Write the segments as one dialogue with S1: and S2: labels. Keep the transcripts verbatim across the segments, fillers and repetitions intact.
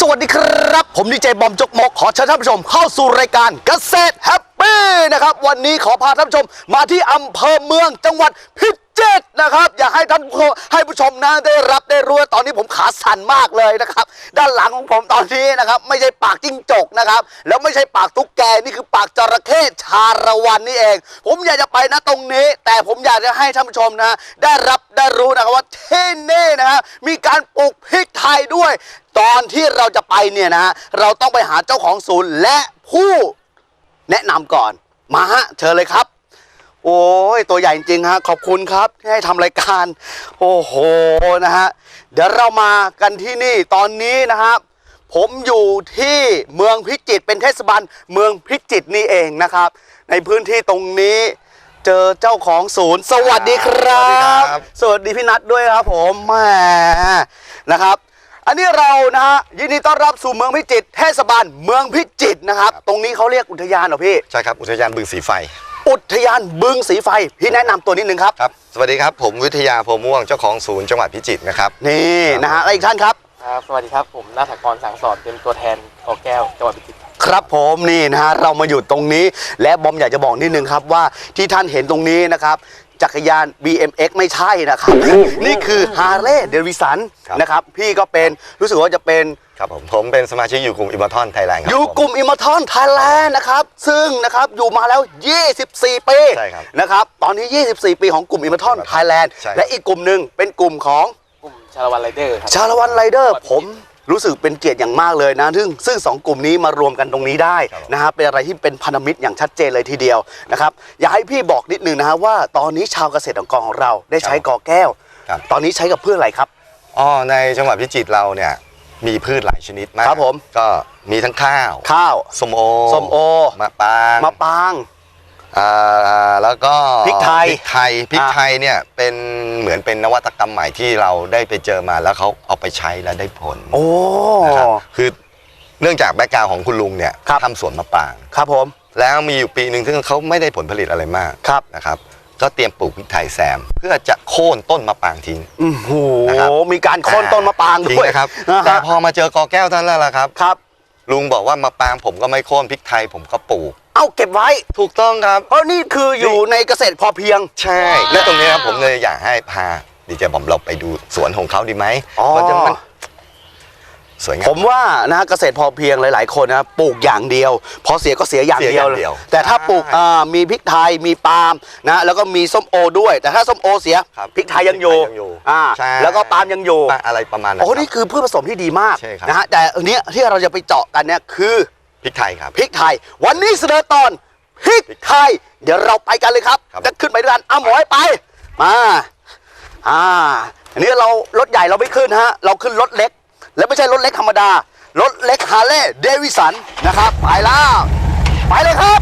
S1: วัสดีครับผมดีเจบอมจกมกขอเชิญท่านผู้ชมเข้าสู่รายการเกษตรแฮปปี้นะครับวันนี้ขอพาท่านผู้ชมมาที่อำเภอเมืองจังหวัดพิจิตรนะครับอยากให้ท่านให้ผู้ชมนะได้รับได้รู้ตอนนี้ผมขาสั่นมากเลยนะครับด้านหลังของผมตอนนี้นะครับไม่ใช่ปากจิ้งจกนะครับแล้วไม่ใช่ปากตุ๊กแกนี่คือปากจระเข้ชาละวันนี่เองผมอยากจะไปนะตรงนี้แต่ผมอยากจะให้ท่านผู้ชมนะได้รับได้รู้นะครับว่าที่นี่นะฮะมีการปลูกพริกไทยด้วยตอนที่เราจะไปเนี่ยนะเราต้องไปหาเจ้าของศูนย์และผู้แนะนำก่อนมาฮะเชิญเลยครับโอ้ยตัวใหญ่จริงฮะขอบคุณครับที่ให้ทำรายการโอ้โหนะฮะเดี๋ยวเรามากันที่นี่ตอนนี้นะครับผมอยู่ที่เมืองพิจิตรเป็นเทศบาลเมืองพิจิตรนี่เองนะครับในพื้นที่ตรงนี้เจอเจ้าของศูนย์สวัสดีครับสวัสดีพี่นัทด้วยครับผมแหมนะครับอันนี้เรานะฮะยินดีต้อนรับสู่เมืองพิจิตรเทศบาลเมืองพิจิตรนะครับตรงนี้เขาเรียกอุทยานเหรอพี่
S2: ใช่ครับอุทยานบึงสีไฟ
S1: อุทยานบึงสีไฟพี่แนะนำตัวนิดนึงครับ
S2: ครับสวัสดีครับผมวิทยาโพม่วงเจ้าของศูนย์จังหวัดพิจิตรนะครับ
S1: นี่นะฮะอีกท่านครับ
S3: ครับสวัสดีครับผมณัฐกรสังสอนเป็นตัวแทนกอแก้วจังหวัดพิจิตร
S1: ครับผมนี่นะฮะเรามาอยู่ตรงนี้และบอมอยากจะบอกนิดนึงครับว่าที่ท่านเห็นตรงนี้นะครับจักรยาน บี เอ็ม เอ็กซ์ ไม่ใช่นะครับนี่คือ Harley Davidson นะครับพี่ก็เป็นรู้สึกว่าจะเป็น
S2: ครับผมผมเป็นสมาชิกอยู่กลุ่มอิมมอร์ทอนไทยแลนด์ครับ
S1: อยู่กลุ่มอิมมอร์ทอนไทยแลนด์นะครับซึ่งนะครับอยู่มาแล้วยี่สิบสี่ปี
S2: ใช่ครับ
S1: นะครับตอนนี้ยี่สิบสี่ปีของกลุ่มอิมมอร์ทอนไทยแลนด์และอีกกลุ่มหนึ่งเป็นกลุ่มของ
S3: กลุ่มชาละวันไรเดอร์ครับ
S1: ชาละวันไรเดอร์ผมรู้สึกเป็นเกียรติอย่างมากเลยนะซึ่งซึ่งสองกลุ่มนี้มารวมกันตรงนี้ได้นะฮะเป็นอะไรที่เป็นพันธมิตรอย่างชัดเจนเลยทีเดียวนะครับอยากให้พี่บอกนิดนึงนะฮะว่าตอนนี้ชาวเกษตรกรของเราได้ใช้กอแก้วตอนนี้ใช้กับเพื่ออะไรครับ
S2: อ๋อในจังหวัดพิจิตรเราเนี่ยมีพืชหลายชนิดมาก
S1: ครับผม
S2: ก็มีทั้งข้าว
S1: ข้าว
S2: ส้มโอ
S1: ส้มโอ
S2: มะปาง
S1: มะปาง
S2: อ่าแล้วก็
S1: พริกไทย
S2: พริกไทยพริกไทยเนี่ยเป็นเหมือนเป็นนวัตกรรมใหม่ที่เราได้ไปเจอมาแล้วเขาเอาไปใช้แล้วได้ผล
S1: โอ้
S2: นะครับคือเนื่องจากแบ็คกราวด์ของคุณลุงเนี่ยทำสวนมะปราง
S1: ครับผม
S2: แล้วมีอยู่ปีหนึ่งซึ่งเขาไม่ได้ผลผลิตอะไรมากนะครับก็เตรียมปลูกพริกไทยแซมเพื่อจะโค่นต้นมะปรางทิ้ง
S1: โอ้โหมีการโค่นต้นมะปรางด้วย
S2: นะครับแต่พอมาเจอกอแก้วท่านแล้วล่ะครับครับลุงบอกว่ามะปรางผมก็ไม่โค่นพริกไทยผมก็ปลูก
S1: เอาเก็บไว้
S2: ถูกต้องครับ
S1: เพราะนี่คืออยู่ในเกษตรพอเพียง
S2: ใช่และตรงนี้ครับผมเลยอยากให้พาดีเจบอมเราไปดูสวนของเขาดีไหม
S1: มันจะมัน
S2: สวยงาม
S1: ผมว่านะเกษตรพอเพียงหลายๆคนนะปลูกอย่างเดียวพอเสียก็เสียอย่างเดียวเลยแต่ถ้าปลูกมีพริกไทยมีปาล์มนะแล้วก็มีส้มโอด้วยแต่ถ้าส้มโอเสียพริกไทยยังอยู่อ่าแล้วก็ปาล์มยังอยู่
S2: อะไรประมาณนั้น
S1: โอ้นี่คือพืชผสมที่ดีมากนะฮะแต่อันนี้ที่เราจะไปเจาะกันเนี่ยคือ
S2: พริกไทยครับ
S1: พริกไทยวันนี้เสนอตอนพริกไทยเดี๋ยวเราไปกันเลยครับจะขึ้นไปด้วยกันเอาหมอยไปมาอ่าอันนี้เรารถใหญ่เราไม่ขึ้นฮะเราขึ้นรถเล็กและไม่ใช่รถเล็กธรรมดารถเล็กฮาร์เลย์เดวิสันนะครับไปแล้วไปเลยครับ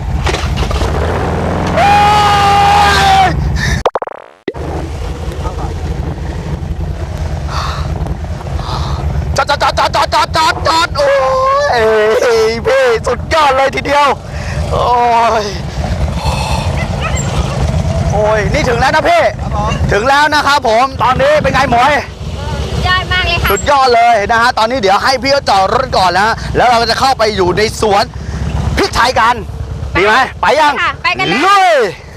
S1: จอดจอดจอดจอดจอดจอดจอดจอดโอ้ยพี่สุดยอดเลยทีเดียวโอ้ยโอ้ยนี่ถึงแล้วนะพี่ถึงแล้วนะครับผมตอนนี้เป็นไงหมวย
S4: ยอดมากเลยค่ะ
S1: สุดยอดเลยนะฮะตอนนี้เดี๋ยวให้พี่เขาจอดรถก่อนนะแล้วเราจะเข้าไปอยู่ในสวนพริกไทยกันดีไหมไปยัง
S4: ไปกันเลย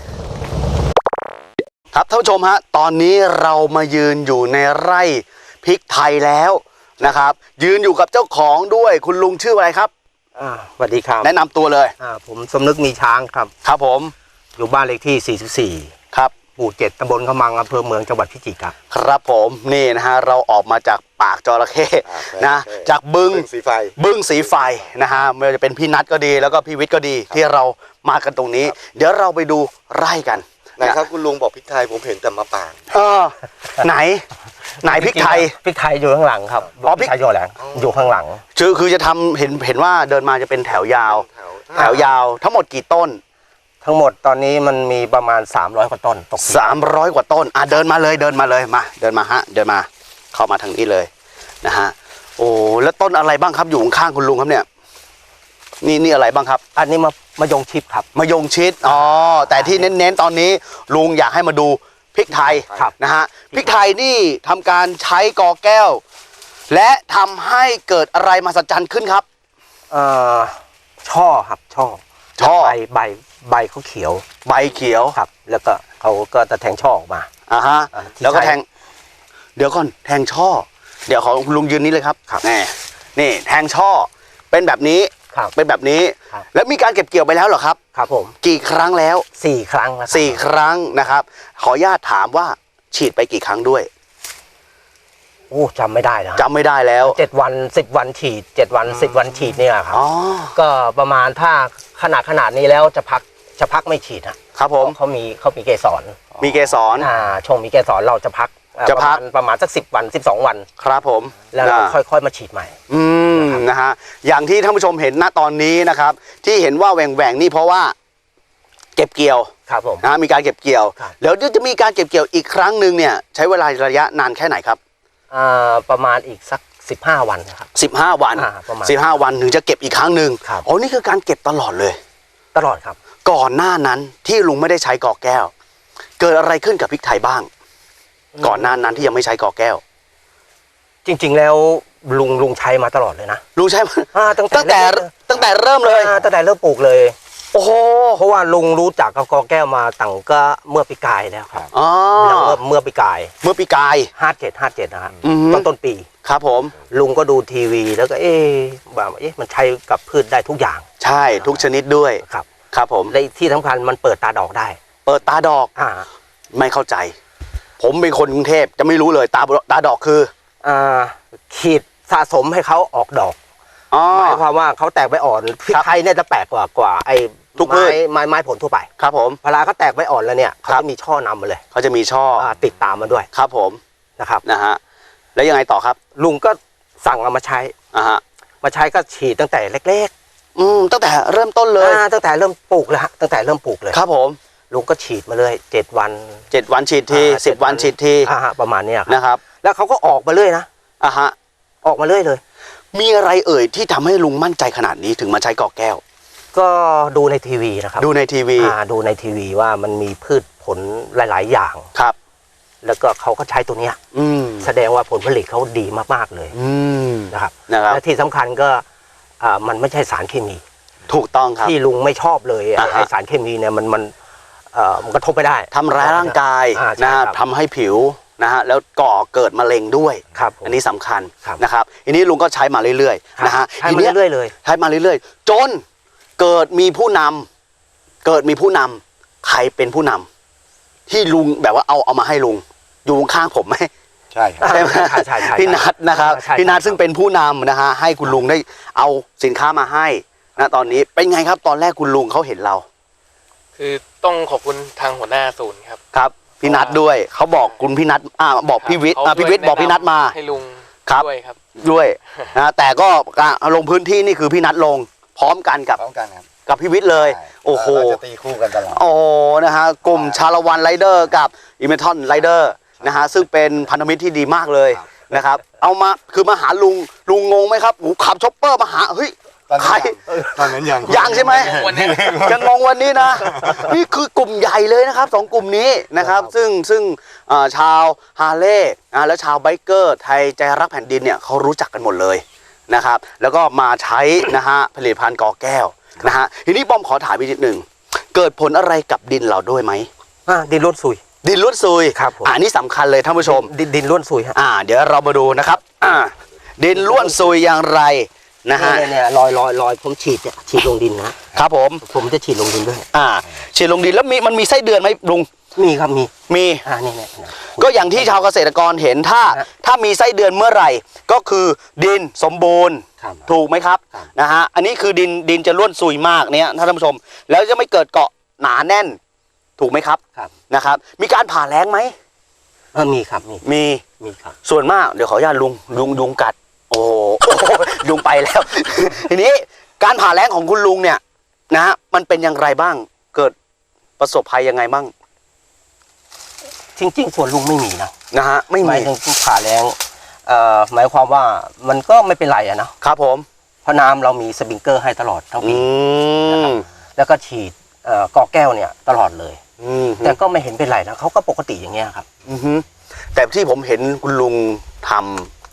S1: ครับท่านผู้ชมฮะตอนนี้เรามายืนอยู่ในไร่พริกไทยแล้วนะครับยืนอยู่กับเจ้าของด้วยคุณลุงชื่ออะไรครับ
S3: อ่าสวัสดีครับ
S1: แนะนำตัวเลย
S3: อ่าผมสมนึกมีช้างครับ
S1: ครับผม
S3: อยู่บ้านเลขที่สี่สิบสี่
S1: ครับ
S3: หมู่เจ็ดตำบลขมังอำเภอเมืองจังหวัดพิจิตรครับ
S1: ครับผมนี่นะฮะเราออกมาจากปากจระเข้นะจากบึง
S2: สีไฟ
S1: บึงสีไฟนะฮะไม่ว่าจะเป็นพี่นัทก็ดีแล้วก็พี่วิทย์ก็ดีที่เรามากันตรงนี้เดี๋ยวเราไปดูไร่กัน
S2: นะครับคุณลุงบอกพริกไทยผมเห็นแต่มะปราง
S1: เออไหนไหนพริกไทย
S3: พริกไทยอยู่ข้างหลังครับ
S1: อ๋อพริก
S3: ไทยอยู่หลังอยู่ข้างหลัง
S1: คือคือจะทำเห็นเห็นว่าเดินมาจะเป็นแถวยาวแถวยาวทั้งหมดกี่ต้น
S3: ทั้งหมดตอนนี้มันมีประมาณสามร้อยกว่าต้นตก
S1: สามร้อยกว่าต้นอ่ะเดินมาเลยเดินมาเลยมาเดินมาฮะเดินมาเข้ามาทางนี้เลยนะฮะโอ้แล้วต้นอะไรบ้างครับอยู่ข้างคุณลุงครับเนี่ยนี่นี่อะไรบ้างครับ
S3: อันนี้มามายงชิดครับ
S1: มายงชิดอ๋อแต่ที่เน้นๆตอนนี้ลุงอยากให้มาดูพริกไทยนะฮะพริกไทยนี่ทำการใช้กอแก้วและทำให้เกิดอะไรมหัศจรรย์ขึ้นครับ
S5: เอ่อช่อครับช่อ
S1: ช่อ
S5: ใบใบใบเขาเขียว
S1: ใบเขียว
S5: ครับ แล้วก็เขาก็จะแทงช่อออกมา
S1: อ่าฮะ
S5: อ่าที่
S1: แล้วก็
S5: ใช้
S1: แทง เดี๋ยวก่อนแทงช่อ เดี๋ยวขอคุณลุงยืนนี้เลยครับ
S5: ครับ
S1: นี่นี่แทงช่อ เป็นแบบนี้
S5: ครับ
S1: เป็นแบบนี้
S5: ครับ
S1: แล้วมีการเก็บเกี่ยวไปแล้วเหรอครับ
S5: ครับผม
S1: กี่ครั้งแล้ว
S5: สี่ครั้งแล้วครับ
S1: สี่ครั้งนะครับ ขออนุญาตถามว่าฉีดไปกี่ครั้งด้วย
S5: โอ้จำไม่ได้นะ
S1: จำไม่ได้แล้ว
S5: เจ็ดวันสิบวันฉีดเจ็ดวันสิบวันฉีดเนี่ยครับ
S1: อ๋อ
S5: ก็ประมาณถ้าขนาดขนาดนี้แล้วจะพักจะพักไม่ฉีดฮะ
S1: ครับผม
S5: เขามีเขามีเกสร
S1: มีเกสร
S5: อ่าช่วงมีเกสรเราจะพักอ่า
S1: จะพัก
S5: ประมาณประมาณสักสิบวันสิบสองวัน
S1: ครับผม
S5: แล้วเรา
S1: อ่า
S5: ค่อยๆมาฉีดใหม่
S1: อืมนะฮะอย่างที่ท่านผู้ชมเห็นณตอนนี้นะครับ ที่เห็นว่าแหว่งแหว่งๆนี่เพราะว่า เก็บเกี่ยว
S5: ครับผม
S1: นะฮะมีการเก็บเกี่ยว
S5: ครับ
S1: เดี๋ยวจะมีการเก็บเกี่ยวอีกครั้งหนึ่งเนี่ย ใช้เวลาระยะนานแค่ไหนครับ
S5: อ่าประมาณอีกสักสิบห้าวันนะครับ
S1: สิบห้าวัน
S5: อ่าประมาณ
S1: สิบห้าวันถึงจะเก็บอีกครั้งหนึ่ง
S5: ครับ
S1: อ๋อนี่คือการเก็บตลอดเลย
S5: ตลอดครับ
S1: ก่อนหน้านั้นที่ลุงไม่ได้ใช้กอแก้ว เกิดอะไรขึ้นกับพริกไทยบ้าง ก่อนหน้านั้นที่ยังไม่ใช้กอแก้ว
S5: จริงๆแล้วลุงลุงใช้มาตลอดเลยนะ
S1: ลุงใช้มา
S5: อ่าตั้งแต่
S1: ตั้งแต่
S5: เริ่ม
S1: ตั้งแต่เริ่มเลย
S5: อ่าตั้งแต่เริ่มปลูกเลย
S1: โอ้โห
S5: เพราะว่าลุงรู้จักกับกอแก้วมาตั้งก็เมื่อปีกายแล้วครับ
S1: อ๋อ
S5: แล้วเมื่อเมื่อปีกาย
S1: เมื่อปีกาย
S5: ห้าเจ็ดห้าเจ็ดนะครับ
S1: อือฮึ
S5: ต้นต้นปี
S1: ครับผม
S5: ลุงก็ดูทีวีแล้วก็เอ๊ะแบบเอ๊ะมันใช้กับพืชได้ทุกอย่าง
S1: ใช่ทุกชนิดด้วย
S5: ครับ
S1: ครับผม
S5: และที่สำคัญมันเปิดตาดอกได้
S1: เปิดตาดอก
S5: อ่า
S1: ไม่เข้าใจ ผมเป็นคนกรุงเทพจะไม่รู้เลยตาตาดอกคือ
S5: อ่าขีดสะสมให้เขาออกดอก
S1: อ๋อ
S5: หมายความว่าเขาแตกใบอ่อนพริก
S1: ครับ
S5: ไทยเนี่ยจะแปลกกว่ากว่าไอ้
S1: ทุกพืช
S5: ไม้ไม้ไม้ผลทั่วไป
S1: ครับผม
S5: เวลาเขาแตกใบอ่อนแล้วเนี่ยเขา
S1: ครับ
S5: จะมีช่อนำมาเลย
S1: เขาจะมีช่ออ
S5: อ่าติดตามมาด้วย
S1: ครับผม
S5: นะครับ
S1: นะฮะแล้วยังไงต่อครับ
S5: ลุงก็สั่งเอามาใช้
S1: อ่าฮะ
S5: มาใช้ก็ฉีดตั้งแต่เล็ก
S1: อืมตั้งแต่เริ่มต้น
S5: ๆ
S1: เลย
S5: อ่าตั้งแต่เริ่มปลูกเลยฮะตั้งแต่เริ่มปลูกเลย
S1: ครับผม
S5: ลุงก็ฉีดมาเลยเจ็ดวัน
S1: เจ็ดวันฉีดที
S5: อ่า
S1: สิบ
S5: เจ็ด
S1: วันฉีดที
S5: อ่าฮะประมาณเนี้ยครับ
S1: นะครับ
S5: แล้วเขาก็ออกมาเรื่อยนะ
S1: อ่าฮะ
S5: ออกมาเรื่อยเลย
S1: มีอะไรเอ่ยที่ทำให้ลุงมั่นใจขนาดนี้ถึงมาใช้กอแก้ว
S5: ก็ดูในทีวีนะครับ
S1: ดูในทีวี
S5: อ่าดูในทีวีว่ามันมีพืชผลหลาย ๆ อย่าง
S1: ครับ
S5: แล้วก็เขาก็ใช้ตัวเนี้ย
S1: อืม
S5: แสดงว่าผลผลิตเขาดีมากๆเลย
S1: อืม
S5: นะครับ
S1: นะครับ
S5: และที่สำคัญก็อ่ามันไม่ใช่สารเคมี
S1: ถูกต้องครับ
S5: ที่ลุงไม่ชอบเลยอ่ะ
S1: อ่าฮะ
S5: ไอสารเคมีเนี่ยมันมันเอ่อมันกระทบไม่ได้
S1: ทำร้ายร่างกาย
S5: อ่าใช่
S1: นะฮะ
S5: ครับ
S1: ทำให้ผิวนะฮะแล้วก่อเกิดมะเร็งด้วย
S5: ครับผม
S1: อันนี้สำคัญ
S5: ครับ
S1: นะครับอันนี้ลุงก็ใช้มาเรื่อยๆนะฮะ
S5: ใช้
S1: ที
S5: มา
S1: นี้ย
S5: เรื่อยๆเลย
S1: ใช้มาเรื่อยๆ จนเกิดมีผู้นำเกิดมีผู้นำใครเป็นผู้นำที่ลุงแบบว่าเอาเอามาให้ลุงอยู่ข้างผมไหม
S2: ใช่ครับ
S1: ใช่ไหม
S5: ใช่ใช่ใช่
S1: พี่นัทนะครับ
S5: ใช่
S1: พี่นัท
S5: ใช่
S1: ซึ่งเป็นผู้นำนะฮะให้คุณลุงได้เอาสินค้ามาให้นะตอนนี้เป็นไงครับตอนแรกคุณลุงเขาเห็นเรา
S3: คือต้องขอบคุณทางหัวหน้าศูนย์ครับ
S1: ครับพี่นัทด้วยเขาบอกคุณพี่นัทอ่าบอกพี่วิทย์อ่า
S3: เขา
S1: พี่วิทย์บอกพี่นัทมา
S3: ให้ลุง
S1: ครับ
S3: ด้วยครับ
S1: ด้วยนะแต่ก็การลงพื้นที่นี่คือพี่นัทลงพร้อมกันกับ
S2: พร้อมกันครับ
S1: กับพี่วิทย์เลย
S2: ใช่
S1: โอ้โห
S2: เราจะตีคู่กันตลอด
S1: โอ้นะฮะกลุ่มชาละวันไรเดอร์กับอิเมทอนไรเดอร์นะฮะซึ่งเป็นพันธมิตรที่ดีมากเลยนะครับเอามาคือมาหาลุงลุงงงไหมครับโอ้โหขับช็อปเปอร์มาหาเฮ้ย
S2: ตอน
S1: ใคร
S2: นั้นยังตอนนั้นยัง
S1: ยังใช่ไหม
S3: วันนี้
S1: ยังงงวันนี้นะ นี่คือกลุ่มใหญ่เลยนะครับสองกลุ่มนี้นะครับ ซึ่งซึ่งเอ่อชาวฮาร์เลย์นะและชาวไบเกอร์ไทยใจรักแผ่นดินเนี่ยเขารู้จักกันหมดเลยนะครับแล้วก็มาใช้นะฮะผลิตภัณฑ์กอแก้วนะฮะทีนี้บอมขอถามอีกนิดหนึ่งเกิดผลอะไรกับดินเราด้วยไหม
S5: อ่าดินร่วนซุย
S1: ดินล้วนซุย
S5: ครับผม
S1: อ่านี่สำคัญเลยท่านผู้ชม
S5: ดินดินร่วนซุยฮะ
S1: อ่า เดี๋ยวเรามาดูนะครับอ่าดินล้วนซุยอย่างไรนะฮะ
S5: เนี่ยเนี่ยรอยรอยรอยผมฉีดเนี่ยฉีดลงดินนะครับ
S1: ผม
S5: ผมจะฉีดลงดินด้วย
S1: อ่าฉีดลงดินแล้วมีมันมีไส้เดือนไหมลุง
S5: มีครับมี
S1: มี
S5: อ่านี่เนี่ยเนี่ย
S1: ก็อย่างที่ชาวเกษตรกรเห็นถ้า
S5: ฮะ
S1: ถ้ามีไส้เดือนเมื่อไหร่ ก็คือดินสมบูรณ์
S5: ครับ
S1: ถูกไหมครับ
S5: ครับ
S1: นะฮะอันนี้คือดินดินจะล้วนซุยมากเนี่ยท่านผู้ชม แล้วจะไม่เกิดเกาะหนาแน่น ถูกไหมครับ
S5: ครับ
S1: นะครับ มีการผ่าแล้งไหม
S5: เออมีครับมี
S1: มี
S5: มีครับ
S1: ส่วนมากเดี๋ยวขออนุญาตลุงลุงยุงกัด โอ้โห ยุงไปแล้ว ทีนี้การผ่าแล้งของคุณลุงเนี่ยนะฮะมันเป็นอย่างไรบ้าง เกิดประสบภัยยังไงบ้าง
S5: จริงๆส่วนลุงไม่มีนะ
S1: นะฮะไม่
S5: หมา
S1: มี
S5: ยถึงผ่าแรงเอ่อหมายความว่ามันก็ไม่เป็นไรอะนะครับ
S1: ผม
S5: เพราะน้ำเรามีสปริงเกอร์ให้ตลอดทั้ง
S1: อื
S5: ปี
S1: ม
S5: แล้วก็ฉีดเอ่อกอแก้วเนี่ยตลอดเลย
S1: อืม
S5: แต่ก็ไม่เห็นเป็นไรนะเขาก็ปกติอย่างเงี้ยครับ
S1: อือฮึแต่ที่ผมเห็นคุณลุงทำ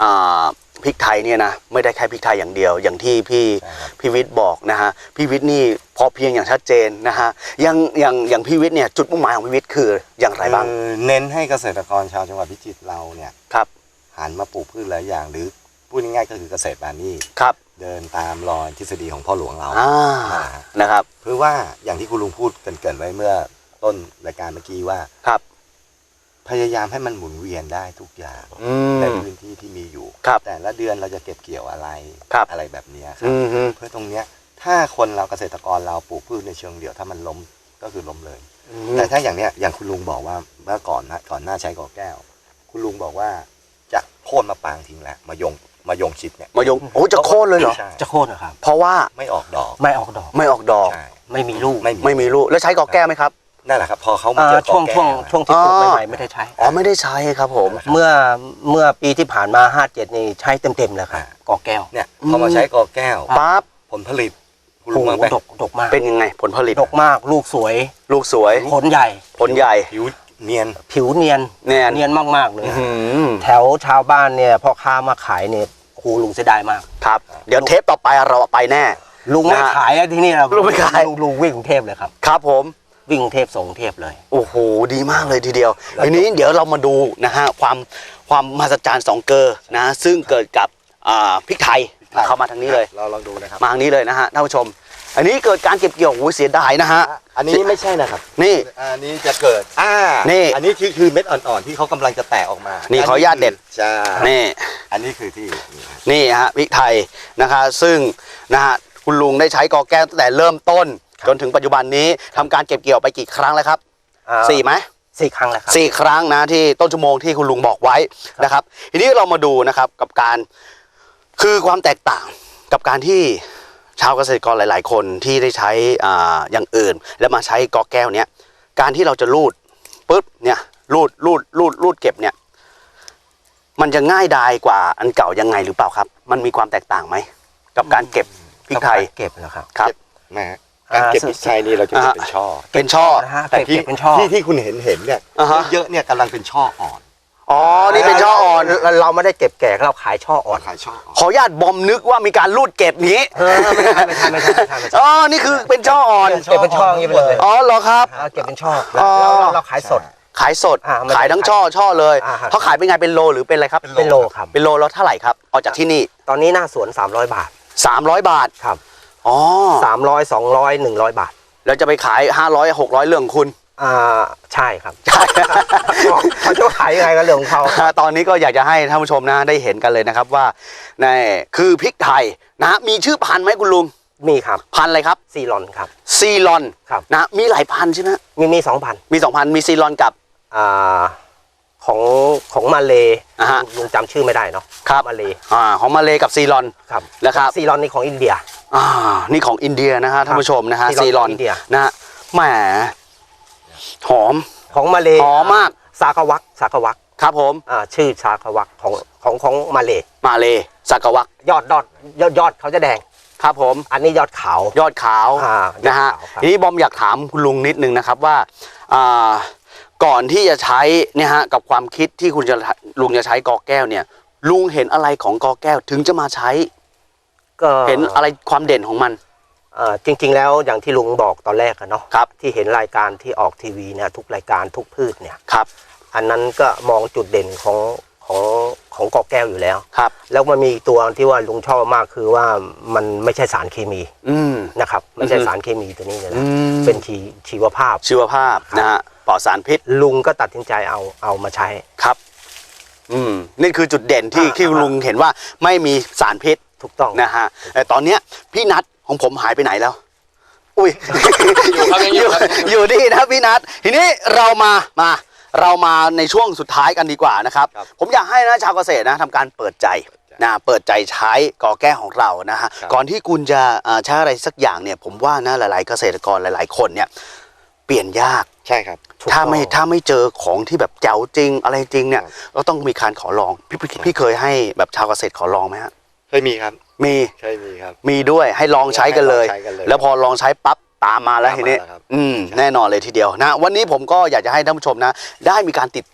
S1: อ่าพริกไทยเนี่ยนะไม่ได้แค่พริกไทยอย่างเดียว อย่างที่พี่พี่วิทย์บอกนะฮะพี่วิทย์นี่พอเพียงอย่างชัดเจนนะฮะอย่างอย่างอย่างพี่วิทย์เนี่ยจุดมุ่งหมายของพี่วิทย์คืออย่างไรบ้าง
S2: คือเน้นให้เกษตรกรชาวจังหวัดพิจิตรเราเนี่ย
S1: ครับ
S2: หันมาปลูกพืชหลายอย่างหรือพูดง่ายๆก็คือเกษตรบานี
S1: ครับ
S2: เดินตามรอยทฤษฎีของพ่อหลวงเรา
S1: อ่านะครับ
S2: เพื่อว่าอย่างที่คุณลุงพูดเกรินๆไว้เมื่อต้นรายการเมื่อกี้ว่า
S1: ครับ
S2: พยายามให้มันหมุนเวียนได้ทุกอย่าง
S1: อืม
S2: ในพื้นที่ที่มีอยู่
S1: ครับ
S2: แต่ละเดือนเราจะเก็บเกี่ยวอะไร
S1: ครับ
S2: อะไรแบบเนี้ยครั
S1: อื
S2: บ
S1: มฮึ
S2: เพื่อตรงเนี้ยถ้าคนเราเกษตรกรเราปลูกพืชในเชิงเดี่ยวถ้ามันล้มก็คือล้มเลย แต่ถ้าอย่างเนี้ยอย่างคุณลุงบอกว่าเมื่อก่อนนะก่อนหน้าใช้กอแก้ว คุณลุงบอกว่าจะโค่นมาปางทิ้งแล้วมายงมายงชิดเนี่ย
S1: มายงโอ้จะโค่นเลยเหรอ
S2: ใช่
S5: จะโค่นนะครับ
S1: เพราะว่า
S2: ไม่ออกดอก
S5: ไม่ออกดอก
S1: ไม่ออกดอก
S2: ใช่
S5: ไม่มีลูก
S2: ไม่มี
S1: ไม่มีลูกแล้วใช้กอแก้วไหมครับ
S2: นั่นแหละครับพอเขามา
S5: อ่า
S2: เจอกอ
S5: ช่วง
S2: แก้
S5: ช่วง
S2: ว
S5: ช่วงที่ปลูก
S1: อ๋อ
S5: ใหม่ๆไม่ได้ใช้
S1: อ๋อไม่ได้ใช้ครับผม
S5: เมื่อเมื่อปีที่ผ่านมาห้าเจ็ดนี่ใช้เต็มๆเลยครับกอแก้ว
S2: เนี่ยพอมาใช้กอแก้ว
S1: ปั๊บ
S2: ผลผลิตคุณ
S5: โอ้
S2: ลุง
S5: โห
S2: มาไป
S5: ดกดกมาก
S1: เป็นยังไงผลผลิต
S5: ดกมากลูกสวย
S1: ลูกสวย
S5: ผลใหญ่
S1: ผลใหญ่
S2: ผิวเนียน
S5: ผิวเนียน
S1: เนียน
S5: เนียนมากๆเลย
S1: อื้อหือ
S5: แถวชาวบ้านเนี่ยพ่อค้ามาขายเนี่ยครูลุงเสียดายมาก
S1: ครับ เดี๋ยวเทปต่อไปเราไปแน่
S5: ลุงไม่
S1: นะฮะ
S5: ขายอะที่นี่เรา
S1: ลุงไม่ขาย
S5: ลุงลุงวิ่งกรุงเทพเลยครับ
S1: ครับผม
S5: วิ่งกรุงเทพส่งกรุงเทพเลย
S1: โอ้โหดีมากเลยทีเดียวทีนี้เดี๋ยวเรามาดูนะฮะความความมหัศจรรย์สองเกลอนะซึ่งเกิดกับอ่าพริกไทยเข้ามาทางนี้เลย
S2: เราลองดูนะครับ
S1: มาทางนี้เลยนะฮะท่านผู้ชม อันนี้เกิดการเก็บเกี่ยวโอ้โหเสียดายนะฮะ
S2: อันนี้ไม่ใช่นะครับ
S1: นี่
S2: อันนี้จะเกิดอ่า
S1: นี่
S2: อันนี้คือคือเม็ดอ่อนๆที่เขากำลังจะแตกออกมา
S1: นี่
S2: นี่
S1: ขออนุญาตเด็ด
S2: ใช่
S1: นี่
S2: อันนี้คือที่
S1: นี่ฮะพริกไทยนะคะซึ่งนะฮะคุณลุงได้ใช้กอแก้วตั้งแต่เริ่มต้น จนถึงปัจจุบันนี้ทำการเก็บเกี่ยวไปกี่ครั้งแล้วครับ
S5: อ่า
S1: สี่ไหม
S5: สี่ครั้งแล้วครับ
S1: สี่ครั้งนะที่ต้นชั่วโมงที่คุณลุงบอกไว้นะครับ ทีนี้เรามาดูนะครับกับการคือความแตกต่างกับการที่ชาวเกษตรกรหลาย ๆ คนที่ได้ใช้อ่าอย่างอื่น แล้วมาใช้กอแก้วเนี้ยการที่เราจะรูดปุ๊บเนี่ยรูดรูดรูดรูดเก็บเนี่ยมันจะง่ายดายกว่าอันเก่ายังไงหรือเปล่าครับ มันมีความแตกต่างไหมกับการเก็บพริกไทย
S5: เก็บนะครับ
S1: ครับ
S2: นะฮะการเก็บพริกไทยนี่เราจะเก็บเป็นช่อ
S1: เป็นช่อ
S5: นะฮะ
S2: แต่
S5: เก็บ
S2: ที่
S5: เก็บเป็นช่อ
S2: ที่ที่คุณเห็นเห็นเนี่ย
S1: อ่าฮะ
S2: เยอะๆเนี่ยกำลังเป็นช่ออ่อน
S1: อ๋อนี่เป็นช่ออ่อน
S5: เราเราไม่ได้เก็บแก่เราขายช่ออ่อน
S2: ขายช่ออ่อน
S1: ขออนุญาตบอมนึกว่ามีการรูดเก็บนี้
S5: เออไม่ใช่ไม่ใช่ไม่ใช่ไม่ใช่ไม่ใช่
S1: อ๋อนี่คือเป็นช่ออ่อน
S5: เก็บเป็นช่ออย่างนี้ไปเลย
S1: อ๋อเหรอครับ
S5: อ่าเก็บเป็นช่อ
S1: อ๋
S5: แล้ว
S1: อ
S5: เราเราขายสด
S1: ขายสด
S5: อ่าไม่ได้
S1: ขายทั้งช่อช่อเลย
S5: อ่าฮะ
S1: เขาขายเป็นไงเป็นโลหรือเป็นอะไรครับ
S5: เป็นโลครับ
S1: เป็นโลแล้วเท่าไหร่ครับออกจากที่นี่
S5: ตอนนี้หน้าสวนสามร้อยบาท
S1: สามร้อยบาท
S5: ครับ
S1: อ๋อ
S5: สามร้อยสองร้อยหนึ่งร้อยบาท
S1: แล้วจะไปขายห้าร้อยหกร้อยเรื่องของคุณ
S5: อ่าใช่ครับ
S1: ใช่
S5: เขาจะขายยังไงก็เรื่องของเขา
S1: ตอนนี้ก็อยากจะให้ท่านผู้ชมนะได้เห็นกันเลยนะครับว่าในคือพริกไทยนะมีชื่อพันธุ์ไหมคุณลุง
S5: มีครับ
S1: พันธุ์อะไรครับ
S5: ซีรอนครับ
S1: ซีลอน
S5: ครับ
S1: นะมีหลายพันธุ์ใช่ไหม
S5: มีมีสองพัน
S1: มีสองพันมีซีลอนกับ
S5: อ่าของของมาเล
S1: อ่าฮะ
S5: ลุงจำชื่อไม่ได้เนาะ
S1: ครับ
S5: มาเล
S1: อ่าของมาเลกับซีลอน
S5: ครับ
S1: นะครับ
S5: ซีรอนนี่ของอินเดีย
S1: อ่านี่ของอินเดียนะฮะท่านผู้ชมนะฮะ
S5: ซี
S1: ซี
S5: ล
S1: ล
S5: อ
S1: อน น
S5: อินเดีย
S1: นะฮะแหมหอม
S5: ของมาเล
S1: หอมมาก
S5: ซากาวักซากาวัก
S1: ครับผม
S5: อ่าชื่อซากาวักของของของมาเล
S1: มาเลสักวัก
S5: ยอดยอดยอดยอดเขาจะแดง
S1: ครับผม
S5: อันนี้ยอดขาวย
S1: อดขาว
S5: อ่า
S1: นะฮะ
S5: ยอดขาวครับ
S1: ทีนี้บอมอยากถามคุณลุงนิดนึงนะครับว่าอ่าก่อนที่จะใช้เนี่ยฮะกับความคิดที่คุณจะลุงจะใช้กอแก้วเนี่ย ลุงเห็นอะไรของกอแก้วถึงจะมาใช้
S5: ก็
S1: เห็นอะไรความเด่นของมัน
S5: เอ่อจริง ๆ แล้วอย่างที่ลุงบอกตอนแรกอะเนาะ
S1: ครับ
S5: ที่เห็นรายการที่ออกทีวีเนี่ยทุกรายการทุกพืชเนี่ย
S1: ครับ
S5: อันนั้นก็มองจุดเด่นของของของกอแก้วอยู่แล้ว
S1: ครับ
S5: แล้วมันมีอีกตัวที่ว่าลุงชอบมากคือว่ามันไม่ใช่สารเคมี
S1: อืม
S5: นะครับไม่ใช่
S1: อือฮึ
S5: สารเคมีตัวนี้เลย
S1: อื
S5: นะ
S1: ม
S5: เป็นชีชีวภาพ
S1: ชีวภาพนะฮะปลอดสารพิษ
S5: ลุงก็ตัดสินใจเอาเอามาใช้
S1: ครับ อืมนี่คือจุดเด่นที่
S5: อ่า
S1: ที่ลุงเห็นว่าไม่มีสารพิษ
S5: ถูกต้อง
S1: นะฮะแต่ตอนเนี้ยพี่นัทของผมหายไปไหนแล้ว อุ้ย
S3: อยู่ครับยังอยู่ครับ
S1: อยู่ดีนะพี่นัททีนี้เรามามา เรามาในช่วงสุดท้ายกันดีกว่านะครับ
S2: ครับ
S1: ผมอยากให้นะชาวเกษตรนะทำการเปิดใจนะเปิดใจใช้กอแก้วของเรานะฮะ
S2: ครับ
S1: ก่อนที่คุณจะเอ่อใช้อะไรสักอย่างเนี่ย ผมว่านะหลาย ๆ เกษตรกรหลาย ๆ คนเนี่ย เปลี่ยนยาก
S2: ใช่ครับ
S5: ถูก
S1: ถ้าไม่
S5: ต้อง
S1: ถ้าไม่เจอของที่แบบแจ๋วจริงอะไรจริงเนี่ย
S2: ครับ
S1: ก็ต้องมีการขอลองพี่พี่พี่เคยให้แบบชาวเกษตรขอลองไหมฮะ
S2: เคยมีครับ
S1: มี
S2: เคยมีครับ
S1: มีด้วยให้ลองใช้กันเลย
S2: ให้ลองใช้กันเลย
S1: แล้วพอลองใช้ปั๊บตามมาแล้ว
S2: ตามมา
S1: ทีนี้
S2: แล้วครับ
S1: อืมแน่นอนเลยทีเดียวนะวันนี้ผมก็อยากจะให้ท่านผู้ชมนะ ได้มีการติดต่อ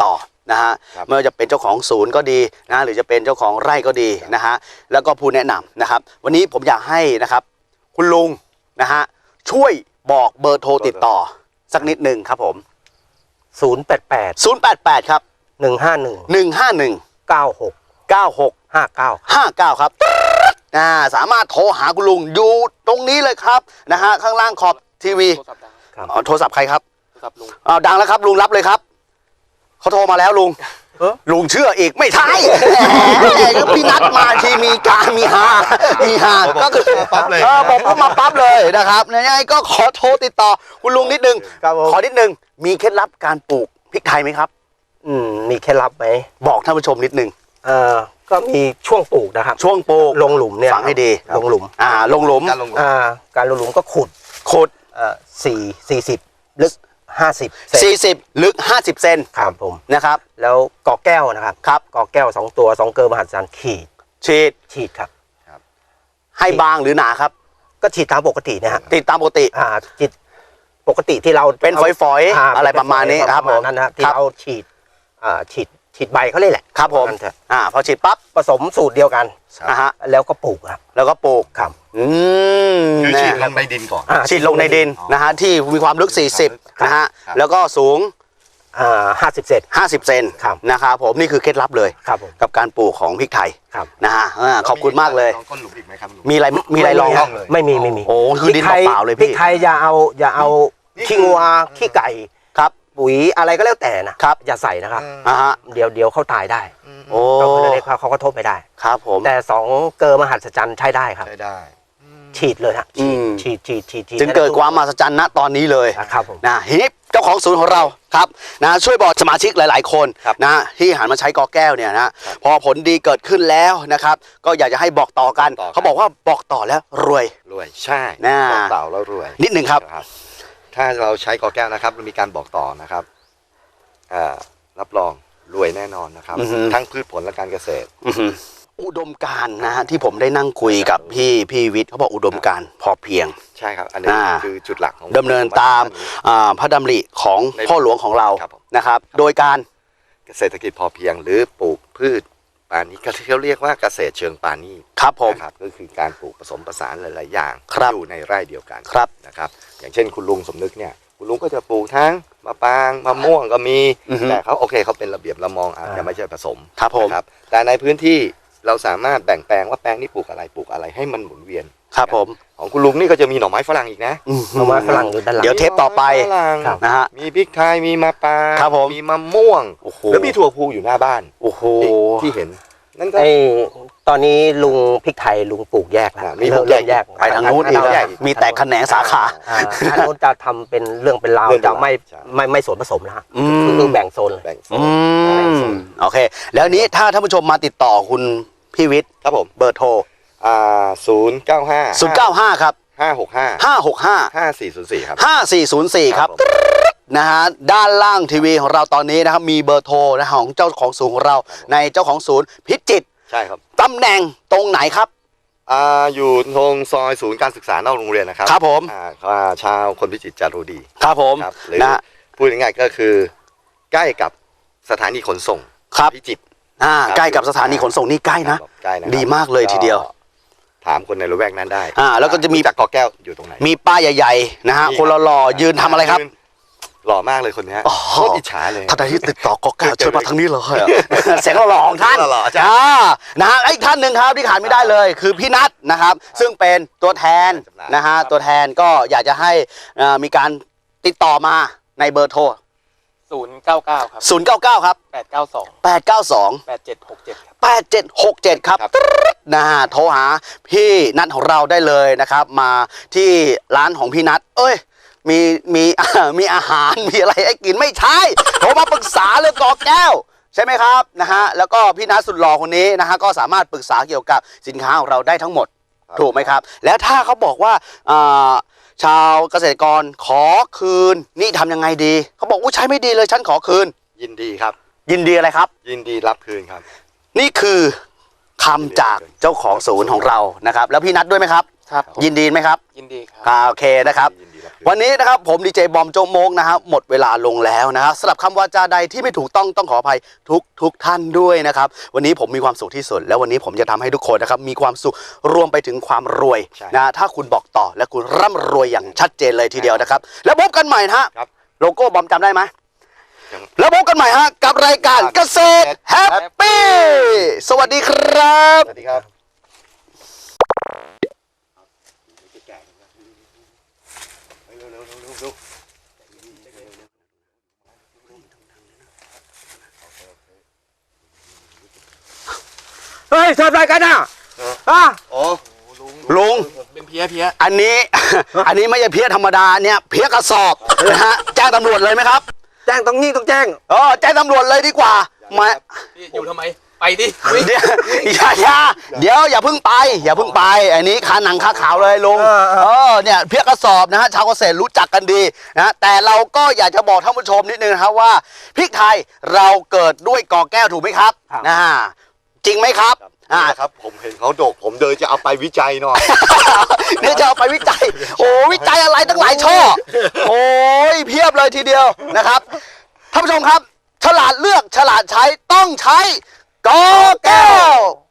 S1: นะฮะ
S2: ครับ
S1: ไม่ว่าจะเป็นเจ้าของศูนย์ก็ดีนะหรือจะเป็นเจ้าของไร่ก็ดีนะฮะแล้วก็ผู้แนะนำนะครับวันนี้ผมอยากให้นะครับคุณลุงนะฮะช่วยบอกเบอร์โทรติดต่อสักนิดหนึ่งครับผม
S5: ศูนย์ แปด แปด
S1: ศูนย์ แปด แปด ครับ
S5: หนึ่ง ห้า หนึ่ง
S1: หนึ่ง ห้า หนึ่ง
S5: เก้า หก
S1: เก้า หก
S5: ห้า เก้า
S1: ห้าเก้าครับอ่าสามารถโทรหาคุณลุงอยู่ตรงนี้เลยครับนะฮะข้างล่างขอบทีวี
S3: โทรศัพท์ดัง
S5: ครับ
S1: อ๋อโทรศัพท์ใครครับ
S3: โทรศัพท์ลุง
S1: อ้าวดังแล้วครับลุงรับเลยครับเขาโทรมาแล้วลุง
S5: เอ้อ
S1: ลุงเชื่ออีกไม่ใช่แหมก็พี่นัดมาทีมีการมีฮามีฮาก็คือ
S2: ปั๊บเลย
S1: เออบอกปุ๊บมาปั๊บเลยนะครับยังไงก็ขอโทรติดต่อคุณลุงนิดนึง
S5: ครับผม
S1: ขอนิดนึงมีเคล็ดลับการปลูกพริกไทยไหมครับ
S5: อืมมีเคล็ดลับไหม
S1: บอกท่านผู้ชมนิดนึง
S5: เอ่อก็มีช่วงปลูกนะครับ
S1: ช่วงปลูก
S5: ลงหลุมเนี่ย
S1: ฟังให้ดี
S5: ลงหลุม
S1: อ่าลงหลุม
S2: การลงหลุม
S5: อ่าการลงหลุมก็ขุด
S1: ขุด
S5: เอ่อสี่สี่สิบลึกห้าสิบเซน
S1: สี่สิบลึกห้าสิบเซน
S5: ครับผม
S1: นะครับ
S5: แล้วกอแก้วนะครับ
S1: ครับ
S5: กอแก้วสองตัวสองเกลือมหัศจรรย์ขีด
S1: ฉีด
S5: ฉีดครับ
S1: ให้บางหรือหนาครับ
S5: ก็ฉีดตามปกตินะฮะ
S1: ติดตามปกติ
S5: อ่าฉีดปกติที่เรา
S1: เป็นฝอยๆ
S5: า
S1: อะไรประมาณนี้ครับ
S5: ปะ
S1: ผม
S5: มาณนั้นนะที่
S1: ครับ
S5: เราฉีดอ่าฉีดฉีดใบเขาเลยแหละ
S1: ครับผม
S5: นั่นเถอะ
S1: อ่าพอฉีดปั๊บ
S5: ผสมสูตรเดียวกัน
S1: นะฮะ
S5: แล้วก็ปลูกครับ
S1: แล้วก็ปลูก
S5: ครับ
S1: อืม
S2: คือ
S1: นะ
S2: ฉีดลงในดินก่อน
S5: อ่า
S1: ฉีดลงในดินนะฮะที่มีความลึก สี่สิบ นะฮะ
S2: ครับ
S1: แล้วก็สูง
S5: อ่าห้าสิบเซน
S1: ห้าสิบ เซน
S5: ครับ
S1: นะครับผมนี่คือเคล็ดลับเลย
S5: ครับผม
S1: กับการปลูกของพริกไทย
S5: ครับ
S1: นะฮะอ่าขอบคุณมากเลย
S2: ลองก้นหลุมอีกไหมครับลุง
S1: มีอะไรมีอะไรลอง
S2: ไม่มี
S1: ไหม
S2: เลย
S5: ไม่มีไม่มี
S1: โอ้คือดิน
S5: พริกไทย
S1: เปล่าๆเลย
S5: พริ
S1: พี่
S5: กไทยอย่าเอาอย่าเอา
S2: นี่
S5: ขี้งัวขี้ไก่
S1: ครับ
S5: ปุ๋ยอะไรก็แล้วแต่นะครับ อย่าใส่นะครับ
S1: อ่าฮะ
S5: เดี๋ยวเดี๋ยวเขาตายได้
S1: โอ้
S5: ก็คือเล็กๆเขาก็ทบไม่ได้
S1: ครับผม
S5: แต่สองเกลือมหัศจรรย์ใช้ได้ครับ
S2: ใช้ได้
S5: ฉีดเลยฮะ
S1: อืม
S5: ฉีดฉีดฉีดฉีด
S1: จึงเกิดความมหัศจรรย์ณตอนนี้เลย
S5: ครับผม
S1: นะทีนี้เจ้าของศูนย์ของเราครับนะช่วยบอกสมาชิกหลาย ๆ คน
S2: ครับ
S1: นะที่หันมาใช้กอแก้วเนี่ยนะพอผลดีเกิดขึ้นแล้วนะครับ ก็อยากจะให้บอกต่อกัน
S2: บอกต่อกัน
S1: เขาบอกว่าบอกต่อแล้วรวย
S2: รวยใช่
S1: น่า
S2: บอกเต่าแล้วรวย
S1: นิดหนึ่งครับ
S2: นะครับ ถ้าเราใช้กอแก้วนะครับมีการบอกต่อนะครับอ่ารับรองรวยแน่นอนนะครับ
S1: อือฮึ
S2: ทั้งพืชผลและการเกษตร
S1: อื้อหืออุดมการณ์นะฮะที่ผมได้นั่งคุยกับพี่พี่วิทย์เขาบอกอุดมการณ์พอเพียง
S2: ใช่ครับ อันนี้
S1: อ่า
S2: คือจุดหลักของ
S1: ดำเนินตามอ่าพระดำริของ
S2: ใน
S1: พ่อหลวงของเรา
S2: ครับผม
S1: นะครับ โดยการ
S2: เกษตรกิจพอเพียง หรือปลูกพืชปานี้ก็ที่เขาเรียกว่าเกษตรเชิงปานี
S1: ครับผม
S2: นะครับก็คือการปลูกผสมผสานหลาย ๆ อย่าง
S1: ครับ
S2: อยู่ในไร่เดียวกัน
S1: ครับ
S2: นะครับ อย่างเช่นคุณลุงสมนึกเนี่ยคุณลุงก็จะปลูกทั้งมะปรางมะม่วงก็มี
S1: อือฮึ
S2: แต่เขาโอเคเขาเป็นระเบียบระมองอาจจะ
S5: อ่า
S2: ไม่ใช่ผสม
S1: ครับผม
S2: นะครับแต่ในพื้นที่เราสามารถแบ่งแปลงว่าแปลงนี้ปลูกอะไรปลูกอะไรให้มันหมุนเวียน
S1: ครับผม
S2: ของคุณลุงนี่ก็จะมีหน่อไม้ฝรั่งอีกนะ
S1: อื้อหื
S5: เอาไม้ฝรั่งอยู่ด้านหลัง
S1: เดี๋ยวเทปต่อไป
S2: มีหน่ม้ฝรั่ง
S5: ครับ
S1: นะฮะ
S2: มีพริกไทยมีมะปราง
S1: ครับผม
S2: มีมะม่วง
S1: โอ้โห
S2: แล้วมีถั่วพูอยู่หน้าบ้าน
S1: โอ้โห
S2: ที่เห็นนั่นก็
S5: ไอ้ตอนนี้ลุงพริกไทยลุงปลูกแยกแล้ว
S2: อ่ามีปลู
S5: เริ่
S2: ก
S5: ม
S2: แยก
S5: เริ่มแยก
S1: ไปทางนู้นอีก
S2: แย
S1: อะ
S2: ก
S1: มีแตกแขนงสาขา
S5: อ่าอันนู้นจะทำเป็นเรื่องเป็นราว
S2: เรื่องเป็น
S5: จะไม่
S2: ราวใช่
S5: ไม่ไม่สวนผสมนะฮะ
S1: อืม
S5: คือแบ่งโซนเลย
S2: แบ่งโซ
S1: อื
S2: นแบ่งโซ
S1: ม
S2: น
S1: โอเค แล้วนี้ถ้าท่านผู้ชมมาติดต่อคุณพี่วิทย์
S2: ครับผม
S1: เบอร์โทร
S2: อ่าศูนย์เก้าห้า
S1: ศูนย์ เก้า ห้า ครับ
S2: ห้าหกห้า
S1: ห้า หก ห้า
S2: ห้าสี่ศูนย์สี่ครับ
S1: ห้า สี่ ศูนย์ สี่ ครับ
S2: ผม
S1: นะฮะด้านล่างทีวีของเราตอนนี้นะครับมีเบอร์โทรนะของเจ้าของศูนย์ของเรา ในเจ้าของศูนย์พิจิตร
S2: ใช่ครับ
S1: ตำแหน่งตรงไหนครับ
S2: อ่าอยู่ตรงซอยศูนย์การศึกษานอกโรงเรียนนะครับ
S1: ครับผม
S2: อ่าอ่าชาวคนพิจิตรจะรู้ดี
S1: ครับผม
S2: ครับหรือ
S1: นะฮะ
S2: พูดง่ายๆก็คือ ใกล้กับสถานีขนส่ง
S1: ครับ
S2: พิจิตร
S1: อ่า
S2: ครับ
S1: ใกล้กับสถานีขนส่งนี่ใกล้นะ
S2: ครับใกล้นะครับ
S1: ดีมากเลยทีเดียว
S2: ก็ถามคนในละแวกนั้นได้
S1: อ่าแล้วก็จะมี
S2: จากกอแก้วอยู่ตรงไหน
S1: มีป้ายใหญ่ๆนะฮะ
S2: มี
S1: คนหล่อๆยืนทำอะไรครับ
S2: ยืนหล่อมากเลยคนเนี้ย
S1: อ๋อ
S2: โคตรอิจฉาเลย
S1: ท่านใดที่ติดต่อกอแก้วเชิญมาทางนี้เลย เสียงหล่อๆของท่าน
S2: หล่อๆจ้ะ
S1: อ่านะฮะอีกท่านหนึ่งครับที่ขาดไม่ได้เลย คือพี่นัทนะครับ ซึ่งเป็นตัวแทนนะฮะตัวแทนก็อยากจะให้เอ่อมีการติดต่อมาในเบอร์โทร
S3: ศูนย์เก้าเก้าครับ
S1: ศูนย์ เก้า เก้า ครับ
S3: แปดเก้าสอง
S1: แปด เก้า สอง
S3: แปดเจ็ดหกเจ็ดครับ
S1: แปด เจ็ด หก เจ็ด ครับ
S2: ครับ
S1: นะฮะโทรหาพี่นัทของเราได้เลยนะครับ มาที่ร้านของพี่นัทเอ้ยมีมี มีอาหารมีอะไรให้กินไม่ใช่โทรมาปรึกษาเรื่องกอแก้ว ใช่ไหมครับนะฮะแล้วก็พี่นัทสุดหล่อคนนี้นะฮะก็สามารถปรึกษาเกี่ยวกับสินค้าของเราได้ทั้งหมด
S2: ครับ
S1: ถูกไหมครับ แล้วถ้าเขาบอกว่าอ่าชาวเกษตรกรขอคืนนี่ทำยังไงดีเขาบอกว่าใช้ไม่ดีเลยฉันขอคืน
S2: ยินดีครับ
S1: ยินดีอะไรครับ
S2: ยินดีรับคืนครับ
S1: นี่คือคำจากเจ้าของศูนย์ของเรานะครับ แล้วพี่นัทด้วยไหมครับ
S3: ครับผม
S1: ยินดีไหมครับ
S3: ยินดีครับ
S1: อ่าโอเคนะครับ
S2: ยินดีรับ
S1: วันนี้นะครับผมดีเจบอมโจกโมกนะครับหมดเวลาลงแล้วนะครับสำหรับคำวาจาใดที่ไม่ถูกต้องต้องขออภัยทุกทุกท่านด้วยนะครับวันนี้ผมมีความสุขที่สุด แล้ววันนี้ผมจะทำให้ทุกคนนะครับมีความสุขรวมไปถึงความรวย
S2: ใช่
S1: นะถ้าคุณบอกต่อและคุณร่ำรวยอย่างชัดเจนเลยทีเดียวนะครับแล้วพบกันใหม่นะฮะ
S2: ครับ
S1: โลโก้บอมจำได้ไหม
S2: ยัง
S1: แล้วพบกันใหม่ฮะกับรายการเกษตรแฮปปี้สวัสดีครับ
S2: สวัสดีครับ
S5: เฮ้ยทำอะไรกันอ่ะอ่ะ
S2: อ๋อ
S1: ลุง
S3: เป็นเพี้ยเพี้ย
S1: อันนี้ อันนี้ไม่ใช่เพี้ยธรรมดาเนี่ยเพี้ยกระสอบนะฮะแจ้งตำรวจเลยไหมครับ
S5: แจ้งต้องนี่ต้องแจ้ง
S1: เออแจ้งตำรวจเลยดีกว่ามา
S3: พี่อยู่ทำไม ไปดิวิ่ง
S1: เดี๋ยวอย่าอย่าเดี๋ยวอย่าเพิ่งไป อย่าเพิ่งไป อันนี้คาหนังคาขาวเลยลุง
S5: เออเออ
S1: เออเนี่ยเพี้ยกระสอบนะฮะชาวเกษตรรู้จักกันดีนะแต่เราก็อยากจะบอกท่านผู้ชมนิดนึงนะครับว่าพริกไทยเราเกิดด้วยกอแก้วถูกไหมครับนะฮะจริงไหมครับอ่า
S2: ครับผมเห็นเขาโดกผมเดินจะเอาไปวิจัยหน่อย
S1: เนี่ยจะเอาไปวิจัย โอ้วิจัยอะไรตั้งหลายช่อ โอ้ยเพียบเลยทีเดียวนะครับท่านผู้ชมครับ ฉลาดเลือกฉลาดใช้ต้องใช้กอแก้ว